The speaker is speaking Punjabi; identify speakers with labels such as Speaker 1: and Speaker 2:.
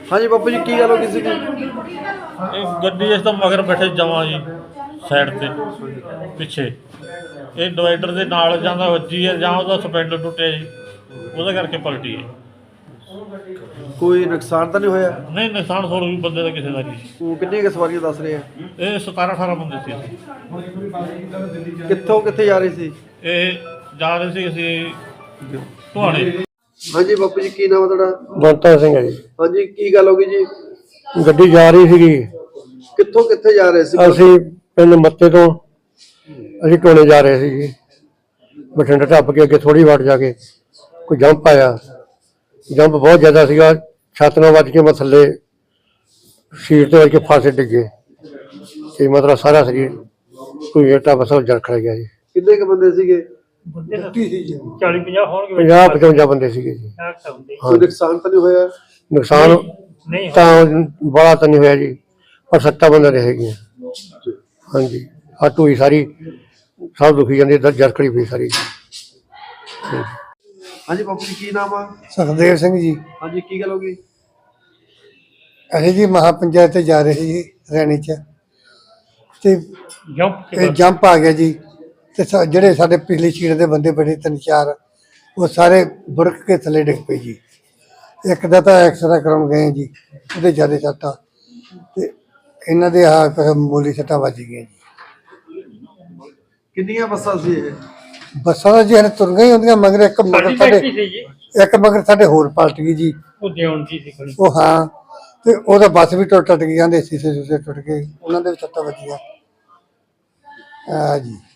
Speaker 1: हाँ जी बापू जी की गल हो गई सी?
Speaker 2: गड्डी इस तो मगर बैठे जावां जी साइड ते पिछे ये डिवाइडर के नाल जांदा वज्जी है जां उहदा सपैंडर टुटिया जी ਉਹਦੇ ਕਰਕੇ पलटी है।
Speaker 1: कोई नुकसान तो नहीं होया?
Speaker 2: नहीं नुकसान थोड़ा भी बंदे का किसी का नहीं।
Speaker 1: वो कितनी के सवारियां दस रहे हैं?
Speaker 2: ये 17-18 बंदे थे।
Speaker 1: कित्थों कित्थे जा रहे सी?
Speaker 2: ये जा रहे थे असी टुहाणे।
Speaker 1: हाँ जी बापू जी की नाम है तुहाडा?
Speaker 3: ਬੰਤਾ ਸਿੰਘ है जी।
Speaker 1: हाँ जी की गल हो गई जी?
Speaker 3: ਗੱਡੀ ਜਾ ਰਹੀ ਸੀਗੀ,
Speaker 1: कित्थों कित्थे जा रहे सी?
Speaker 3: ਅਸੀਂ ਪਿੰਡ ਮੱਤੇ ਤੋਂ ਅਸੀਂ ਟੋਲੇ ਜਾ ਰਹੇ ਸੀ ਜੀ। ਬਠਿੰਡਾ ਟੱਪ ਕੇ ਅੱਗੇ ਥੋੜੀ ਵਾਟ ਜਾ ਕੇ ਕੋਈ ਜੰਪ ਆਇਆ, ਜੰਪ ਬਹੁਤ ਜ਼ਿਆਦਾ ਸੀਗਾ, ਛੱਤ ਨਾਲ ਵੱਜ ਕੇ ਮੈਂ ਥੱਲੇ ਸੀਟ ਤੇ ਵੱਜ ਕੇ ਫਾਸੇ ਡਿੱਗੇ ਤੇ ਮਤਲਬ ਸਾਰਾ ਸਰੀਰ ਕੋਈ ਏਟਾ ਬਸਲ ਜਰਖੜ ਗਿਆ ਜੀ।
Speaker 1: कितने के बंदे सीगे?
Speaker 2: 40-50 होंगे।
Speaker 3: 50-55 ਬੰਦੇ ਸੀਗੇ ਜੀ।
Speaker 1: कोई नुकसान तो नहीं होया?
Speaker 3: ਨੁਕਸਾਨ ਤਾਂ ਬੜਾ ਤਾਂ ਨਹੀਂ ਹੋਇਆ ਜੀ, ਪਰ 7 ਬੰਦੇ ਰਹੇ ਹੈਗੇ। ਹਾਂਜੀ ਆ ਢੋਈ ਸਾਰੀ ਸਭ ਦੁਖੀ ਜਾਂਦੀ, ਜਰਖੜੀ ਪਈ ਸਾਰੀ।
Speaker 1: हाँ जी बापू जी की नाम है?
Speaker 4: ਸੁਖਦੇਵ ਸਿੰਘ ਜੀ।
Speaker 1: हाँ जी की गल हो गई?
Speaker 4: ਅਸੀਂ ਜੀ ਮਹਾ ਪੰਚਾਇਤ ਤੇ ਜਾ ਰਹੇ ਸੀ ਜੀ ਰੈਣੀ ਚ, ਤੇ ਇਹ ਜੰਪ ਆ ਗਿਆ ਜੀ। ਤੇ ਜਿਹੜੇ ਸਾਡੇ ਪਿਛਲੀ ਸੀਟ ਦੇ ਬੰਦੇ ਬੜੇ 3-4 ਉਹ ਸਾਰੇ ਬੁੜਕ ਕੇ ਥੱਲੇ ਡਿੱਗ ਪਏ ਜੀ। ਇੱਕ ਦਾ ਤਾਂ ਐਕਸਰਾ ਕਰਾਉਣ ਗਏ ਜੀ, ਉਹਦੇ ਜ਼ਿਆਦਾ ਸੱਟਾਂ, ਤੇ ਇਹਨਾਂ ਦੇ ਆਹ ਮੂਲੀ ਸੱਟਾਂ ਵੱਜ ਗਈਆਂ ਜੀ।
Speaker 1: कितनी बसा सी ये?
Speaker 4: ਬੱਸਾਂ ਦਾ ਜੀ ਹਲੇ ਤੁਰ ਗਈ ਹੁੰਦੀਆਂ, ਮਗਰ ਇੱਕ ਮਗਰ ਸਾਡੇ ਹੋਰ ਪਲਟ ਗਈ ਜੀ। ਉਹ ਹਾਂ, ਤੇ ਉਹਦਾ ਬੱਸ ਵੀ ਟੁੱਟ ਗਈ, ਜਾਂਦੇ ਸੀਸੇ ਟੁੱਟ ਗਏ, ਉਹਨਾਂ ਦੇ ਵੀ ਸੱਟਾਂ ਵੱਜੀਆਂ। ਜੀ